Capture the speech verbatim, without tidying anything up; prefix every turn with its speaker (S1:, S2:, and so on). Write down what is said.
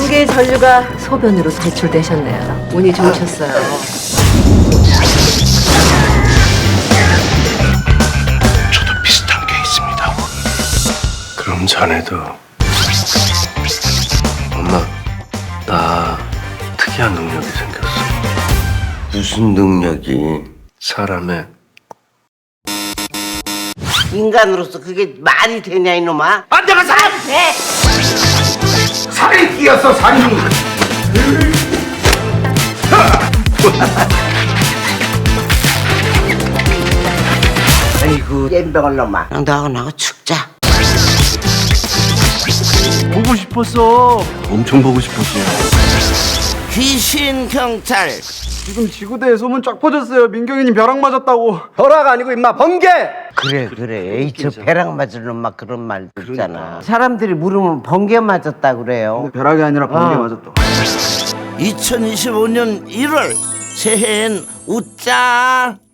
S1: 번개의 전류가 소변으로 배출되셨네요. 운이 좋으셨어요.
S2: 저도 비슷한 게 있습니다. 그럼 자네도. 엄마, 나 특이한 능력이 생겼어.
S3: 무슨 능력이?
S2: 사람의
S3: 인간으로서 그게 말이 되냐 이놈아?
S4: 아, 내가 사람 돼! 살이 뛰었어, 살이!
S3: 아이고 엠병을 놈아. 너하고 나하고 죽자.
S4: 보고 싶었어.
S2: 엄청 보고 싶었어요.
S3: 귀신 경찰.
S5: 지금 지구대에 소문 쫙 퍼졌어요. 민경이님 벼락 맞았다고.
S4: 벼락 아니고 임마 번개!
S3: 그래 그래. 에이 저 벼락 맞은 놈막 그런 말 듣잖아. 사람들이 물으면 번개 맞았다 그래요.
S5: 근데 벼락이 아니라 번개
S3: 어.
S5: 맞았다.
S3: 이천이십오 년 일월 새해엔 웃자.